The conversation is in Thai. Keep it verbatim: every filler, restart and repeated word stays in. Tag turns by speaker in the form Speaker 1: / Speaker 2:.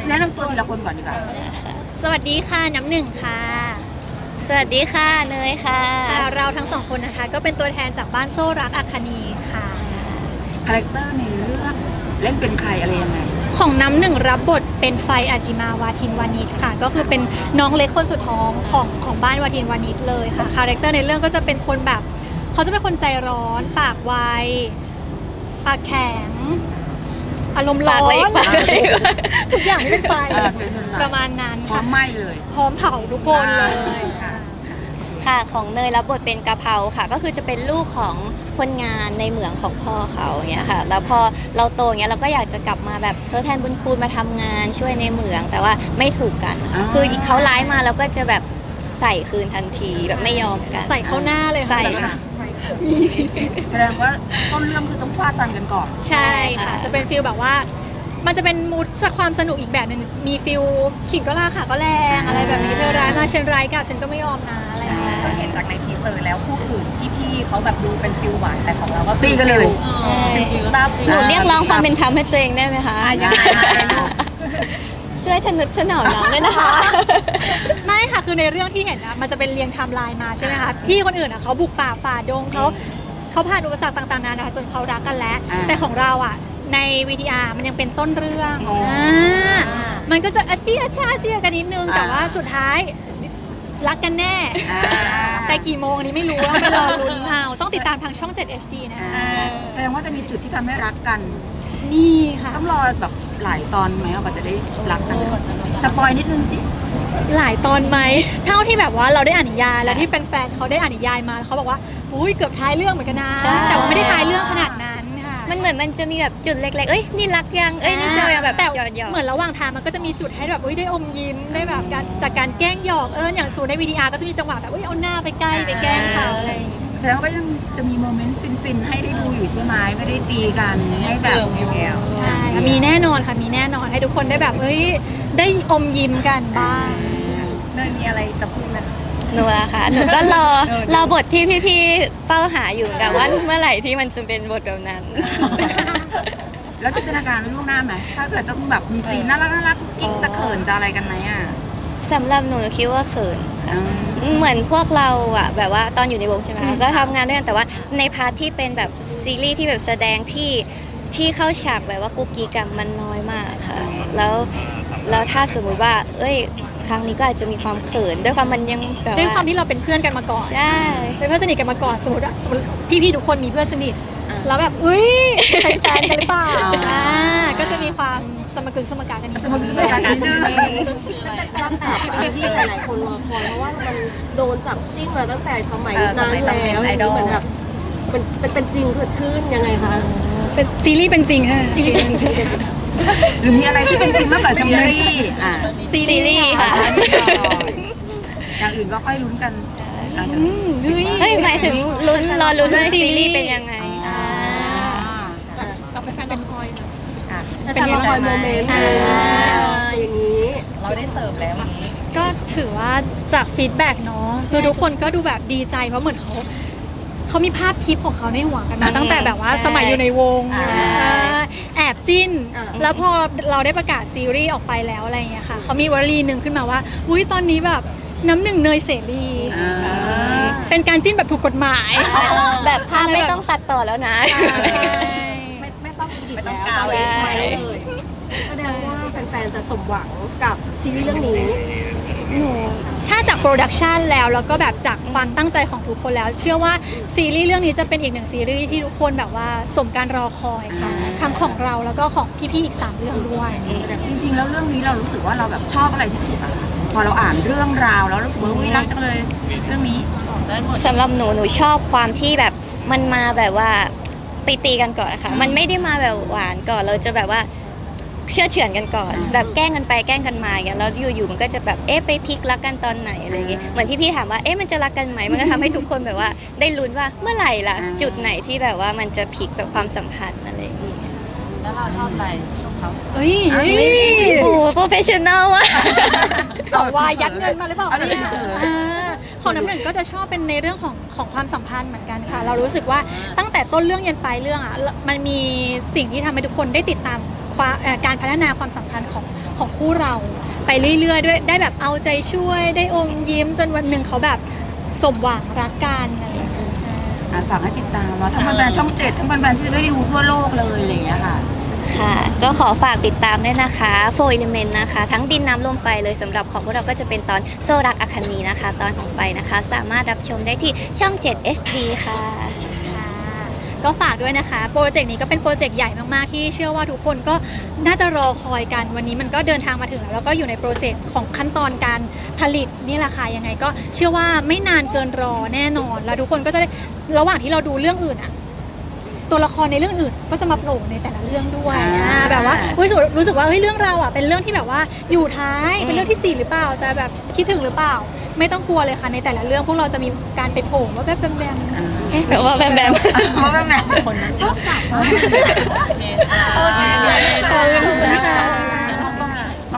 Speaker 1: แนะนำตัวทีละคนก่อนดีกว่า
Speaker 2: สวัสดีค่ะน้ำหนึ่งค่ะ
Speaker 3: สวัสดีค่ะเนยค่ะ
Speaker 2: เราทั้งสองคนนะคะก็เป็นตัวแทนจากบ้านโซ่รักอาคานีค่ะ
Speaker 1: คาแรคเตอร์ในเรื่องเล่นเป็นใครอะไรยังไง
Speaker 2: ของน้ำหนึ่งรับบทเป็นไฟอาชิมาวาทินวานิชค่ะก็คือเป็นน้องเล็กคนสุดท้องของของบ้านวาทินวานิชเลยค่ะคาแรคเตอร์ในเรื่องก็จะเป็นคนแบบเขาจะเป็นคนใจร้อนปากไวปากแข็งอารมณ์ร้อนทุกอย่างที่เป็นไฟประมาณนั้น
Speaker 1: พร้อมไหม้เลย
Speaker 2: พร้อมเผาทุกคนเลย
Speaker 3: ค่ะของเนยรับบทเป็นกะเพราค่ะก็คือจะเป็นลูกของคนงานในเหมืองของพ่อเขาอย่างเงี้ยค่ะแล้วพอเราโตอย่างเงี้ยเราก็อยากจะกลับมาแบบทดแทนบุญคุณมาทำงานช่วยในเหมืองแต่ว่าไม่ถูกกันคือเขาร้ายมาเราก็จะแบบใส่คืนทันทีแบบไม่ยอมกัน
Speaker 2: ใส่เข้าหน้าเลย
Speaker 3: ใส่ค่ะ
Speaker 1: แสดงว่าต้นเรื่องคือต้องฟาดฟันกันก่อน
Speaker 2: ใช่ค่ะจะเป็นฟีลแบบว่ามันจะเป็นมูดความสนุกอีกแบบนึงมีฟิลขิงก็ล่าค่ะก็แรงอะไรแบบนี้เธอร้ายมาฉันร้ายกับฉันก็ไม่ยอมนะอะไรอย่างเงี้ย
Speaker 4: เห็นจากในทีเซอร์แล้วคู่อื่นพี่ๆเขาแบบดูเป็นฟิลหวานแต่ของเราก็
Speaker 1: ตีกันเลย
Speaker 3: หนูเรียกร้องความเป็นธรรมให้ตัวเองได้ไหมคะ
Speaker 1: ยังไง
Speaker 3: ช่วยทนุถนอมน้องด้วยนะคะ
Speaker 2: ไม่ค่ะคือในเรื่องที่เห็นนะมันจะเป็นเรียงไทม์ไลน์มาใช่ไหมคะพี่คนอื่นอ่ะเขาบุกป่าฝ่าดงเขาเขาผ่านอุปสรรคต่างๆนานาจนเขารักกันแล้วแต่ของเราอ่ะใน วี ที อาร์ มันยังเป็นต้นเรื่องมันก็จะอาเจียอาจ้าเจียกันนิดนึงแต่ว่าสุดท้ายรักกันแน่แต่กี่โมงนี้ไม่รู้แล้วไปรอลุ้นเอาต้องติดตามทางช่องเจ็ด เอช ดี นะ
Speaker 1: แสดงว่าจะมีจุดที่ทำให้รักกัน
Speaker 2: นี่ค่ะ
Speaker 1: ต้องรอแบบหลายตอนไหมว่าจะได้รักกันสปอยนิดนึงสิ
Speaker 2: หลายตอนไหมเท่าที่แบบว่าเราได้อ่านนิยายแล้วที่แฟนๆเขาได้อ่านนิยายมาเขาบอกว่าอุ้ยเกือบท้ายเรื่องเหมือนกันนะแต่ว่าไม่ได้ท้ายเรื่องขนาดนั้นค่ะ
Speaker 3: มันเหมือนมันจะมีแบบจุดเล็กๆเอ้ยนี่รักยังเอ้ยนี่เชื่อยังแบบ
Speaker 2: แต่เหมือนระหว่างทางมันก็จะมีจุดให้แบบอุ้ยได้อมยิ้มได้แบบจากการแกล้งหยอกเอออย่างสูนใน วี ที อาร์ ก็จะมีจังหวะแบบอุ้ยเอาหน้าไปใกล้ไปแกล้งเขาอะไร
Speaker 1: แสดงว่ายังจะมีโมเมนต์ฟินๆให้ได้ดูอยู่ใช่ไหมไม่ได้ตีกันให้แบบ
Speaker 2: ใช่มีแน่นอนค่ะมีแน่นอนให้ทุกคนได้แบบเอ้ยได้อมยิ้มกันบ้าง
Speaker 4: เนยมีอะไรจะพูดไหม
Speaker 3: หนูอะค่ะหนูก็รอรอบทที่พี่ๆเป้าหาอยู่กับว่าเมื่อไหร่ที่มันจะเป็นบทแบบนั้น
Speaker 1: แล้วจินตนาการล่วงหน้าไหมถ้าเกิดต้องแบบมีซีนน่ารักน่ารักกิ๊กจะเขินจะอะไรกันไหมอ่ะ
Speaker 3: สำหรับหนูคิดว่าเขินเหมือนพวกเราอะแบบว่าตอนอยู่ในวงใช่ไหมก็ทำงานด้วยกันแต่ว่าในพาร์ทที่เป็นแบบซีรีส์ที่แบบแสดงที่ที่เข้าฉากแบบว่ากุ๊กกิ๊กกันมันน้อยมากค่ะแล้วแล้วถ้าสมมุติว่าเอ้ยครั้งนี้ก็อาจจะมีความเขินด้วยความมันยังแบบ
Speaker 2: ด้วยความที่เราเป็นเพื่อนกันมาก่อน
Speaker 3: ใช่
Speaker 2: เป็นเพื่อนสนิทกันมาก่อนสมมติสมมติพี่ๆทุกคนมีเพื่อนสนิทแล้วแบบอุ้ยเป็นแฟนกันหรือเปล่าอ่าก็จะมีความสมกึงสมการกันนิด
Speaker 1: สมกึงสมการกันนิดนึง
Speaker 5: ตั้งแต่ที่หลายๆคนรอคอยเพราะว่ามันโดนจับจิ้นมาตั้งแต่สมัยนั้นแล้วเหมือนแบบเป็นเป็นจริงเกิดขึ้นยังไงคะ
Speaker 2: เป็นซีรีส์เป็นจริงค่ะ
Speaker 5: ซีรีส์เป็นจริง
Speaker 1: หรือมีอะไรที่เป็นจริงมากกว่าซีรีส์อ่า
Speaker 2: ซีรีส์ค่ะ
Speaker 1: อย่างอื่นก็ค่อยลุ้นกัน
Speaker 3: เฮ้ยหมายถึงลุ้นรอลุ้นว่าซีรีส์เป็นยังไง
Speaker 5: เราเป็นแฟนเป็นคอยเป็นรอคอยโมเมนต์อย่างนี้
Speaker 4: เราได้เสิร์ฟแล้วอย่างนี้
Speaker 2: ก็ถือว่าจากฟีดแบ็กเนาะคือทุกคนก็ดูแบบดีใจเพราะเหมือนเขาเขามีภาพทิปของเขาในหัวกันมาตั้งแต่แบบว่าสมัยอยู่ในวงแอบจิ้นแล้วพอเราได้ประกาศซีรีส์ออกไปแล้วอะไรอย่างเงี้ยค่ะเขามีวลีหนึ่งขึ้นมาว่าอุ้ยตอนนี้แบบน้ำหนึ่งเนยเสรีเป็นการจิ้นแบบถูกกฎหมาย
Speaker 3: แบบภาพไม่ต้องตัดต่อแล้วนะ
Speaker 5: ไม่ไม่ต้องอีดิทแล้วตอนนี้ไม่เลยแสดงว่าแฟนๆจะสมหวังกับซีรีส์เรื่องนี้
Speaker 2: หนูถ้าจากโปรดักชันแล้วแล้วก็แบบจากความตั้งใจของทุกคนแล้วเชื่อว่าซีรีส์เรื่องนี้จะเป็นอีกหนึ่งซีรีส์ที่ทุกคนแบบว่าสมการรอคอยค่ะทั้งของเราแล้วก็ของพี่ๆอีกสามเรื่องด้วย
Speaker 1: จริงๆแล้วเรื่องนี้เรารู้สึกว่าเราแบบชอบอะไรที่สุดอะคะพอเราอ่านเรื่องราวแล้วรู้สึกว่าวิรักจังเลยเรื่องนี้
Speaker 3: สำหรับหนูหนูชอบความที่แบบมันมาแบบว่าไปตีกันก่อนค่ะมันไม่ได้มาแบบหวานก่อนเราจะแบบว่าเชื่อเฉือนกันก่อนแบบแกล้งกันไปแกล้งกันมาอย่างเงี้ยแล้วอยู่ๆมันก็จะแบบเอ๊ะไปพลิกรักกันตอนไหนอะไรอย่างเงี้ยเหมือนที่พี่ถามว่าเอ๊ะมันจะรักกันไหมมันก็ทำให้ทุกคนแบบว่าได้ลุ้นว่าเมื่อไหร่ล่ะจุดไหนที่แบบว่ามันจะพลิกแบบความสัมพันธ์อะไรอย่างเงี้ย
Speaker 4: แล้วเราชอบอะไรชอบเขา
Speaker 2: เอ้ย
Speaker 3: โอ้โปรเฟชชั่นอลอะ
Speaker 2: สวายยัดเงินมาหรือเปล่าเนี่ยของน้ำหนึ่งก็จะชอบเป็นในเรื่องของของความสัมพันธ์เหมือนกันค่ะเรารู้สึกว่าตั้งแต่ต้นเรื่องยันปลายเรื่องอ่ะมันมีสิ่งที่ทำให้ทุกคนได้ติดตามการพัฒนาความสัมพันธ์ของของคู่เราไปเรื่อยๆด้วยได้แบบเอาใจช่วยได้อมยิ้มจนวันหนึ่งเขาแบบสมหวังรักกันอะไรอย่างเงี้ยใช่
Speaker 1: อ่ะฝากให้ติดตามเนาะทั้งแบรนด์ช่องเจ็ดทั้งแบรนด์ที่จะได้ดูทั่วโลกเลยอะไรอย่างเงี้ยค่ะ
Speaker 3: ค่ะ ก็ขอฝากติดตามด้วยนะคะ โฟร์ Element นะคะ ทั้งดินน้ำลมไฟเลยสำหรับของพวกเราก็จะเป็นตอนโซรักอคันนีนะคะ ตอนของไฟนะคะ สามารถรับชมได้ที่ช่อง เจ็ด เอช ดี ค่ะ
Speaker 2: ค่ะก็ฝากด้วยนะคะโปรเจกต์นี้ก็เป็นโปรเจกต์ใหญ่มากๆที่เชื่อว่าทุกคนก็น่าจะรอคอยกันวันนี้มันก็เดินทางมาถึงแล้วแล้วก็อยู่ในโปรเซสของขั้นตอนการผลิตนี่แหละค่ะยังไงก็เชื่อว่าไม่นานเกินรอแน่นอนแล้วทุกคนก็จะได้ระหว่างที่เราดูเรื่องอื่นอะตัวละครในเรื่องอื่นก็จะมาโผล่ในแต่ละเรื่องด้วย
Speaker 1: อ่า
Speaker 2: อ่าแบบว่ารู้สึกรู้สึกว่าเฮ้ยเรื่องเราอ่ะเป็นเรื่องที่แบบว่าอยู่ท้ายเป็นเรื่องที่สี่หรือเปล่าจะแบบคิดถึงหรือเปล่า ไม่ต้องกลัวเลยค่ะในแต่ละเรื่องพวกเราจะมีการไปโผล่ว่าแบบแบมๆเอ๊ะ
Speaker 3: แบบว่าแบมแบม
Speaker 1: เพราะว่าแบบ
Speaker 4: คนชอบสาย
Speaker 1: อ่ะ